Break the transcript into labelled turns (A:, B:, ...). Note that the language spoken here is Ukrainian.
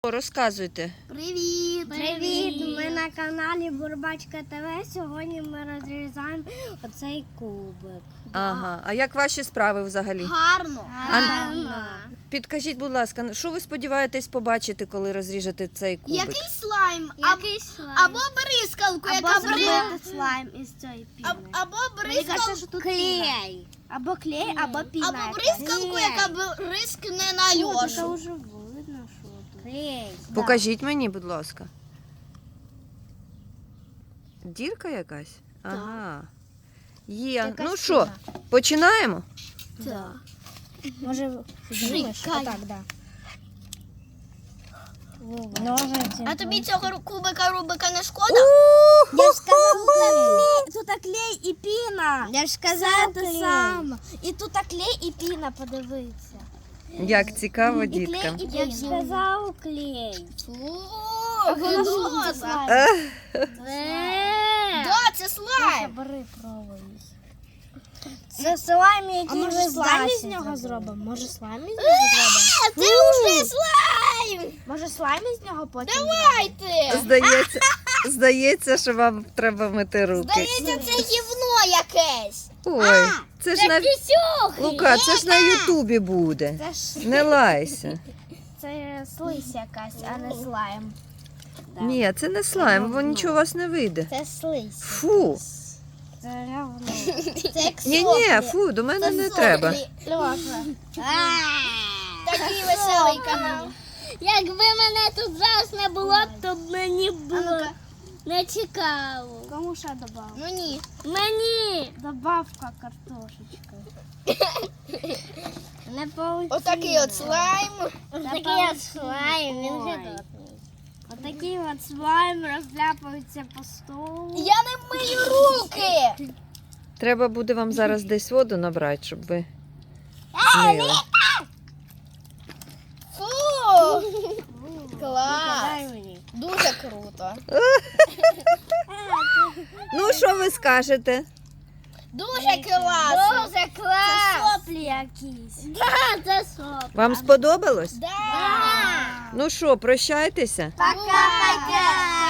A: Розказуйте.
B: Привіт!
C: Привіт! Ми на каналі Бурбачка ТВ. Сьогодні ми розрізаємо оцей кубик.
A: Ага. А як ваші справи взагалі?
B: Гарно!
A: Підкажіть, будь ласка, що ви сподіваєтесь побачити, коли розріжете цей кубик?
B: Який слайм? Або бризкалку, яка
C: слайм із цієї піни.
B: Або бризкалку.
C: Клей. Або клей, або піна.
B: Або бризкалку, яка бризкне на
C: Це
B: Льошу.
C: вже видно, що тут. Клей.
A: Покажіть мені, будь ласка. Дірка якась? Ага. Є. Ну що, починаємо?
B: Так.
C: Може,
B: знімеш? Отак,
C: да. Ножиці.
B: А тобі цього кубика Рубика не шкода?
C: Я ж сказала, тут клей і піна. Я ж сказала те саме. І тут клей і піна, подивися.
A: Як цікаво,
C: І клей,
A: діткам.
C: і піна. Я ж сказав клей.
B: Фу,
C: Воно
B: гидота.
C: слайм.
B: Да, це слайм.
C: Бери, пробуй. Це слайм, який ми слайм з нього зробимо? Може слайм із нього зробимо?
B: Це вже слайм.
C: Може слайм із нього потім?
B: Давайте.
A: Здається, що вам треба мити руки.
B: Здається, це гівно якесь.
A: Ой, це ж на
B: Пісюхи.
A: Лука, це ж на Ютубі буде.
C: Це ж
A: Не лайся.
C: це слизь якась, а не слайм. Да.
A: Ні, це не слайм, бо нічого у вас не вийде.
C: Це слизь.
A: Фу.
C: Це равно.
B: Це як
A: Ні, фу, до мене не треба.
C: Льоша.
B: Такий веселий канал.
C: Якби мене тут зараз не було, то б мені було не цікаво. Кому ще добавити?
B: Ну ні.
C: Мені! Добавка картошечки. Не получилось.
B: Отакий от слайм.
C: Отакий от слайм, він вже дотний. Отакий от слайм розляпується по столу.
B: Я не мию руки.
A: Треба буде вам зараз десь воду набрати, щоб ви мили.
B: Фу. Клас.
C: Дай мені.
B: Дуже круто.
A: Ну, що ви скажете?
B: Дуже класно.
C: Дуже клас! Це соплі якісь. Да, це соплі.
A: Вам сподобалось?
B: Да.
A: Ну що, прощайтеся?
C: Пока-пока!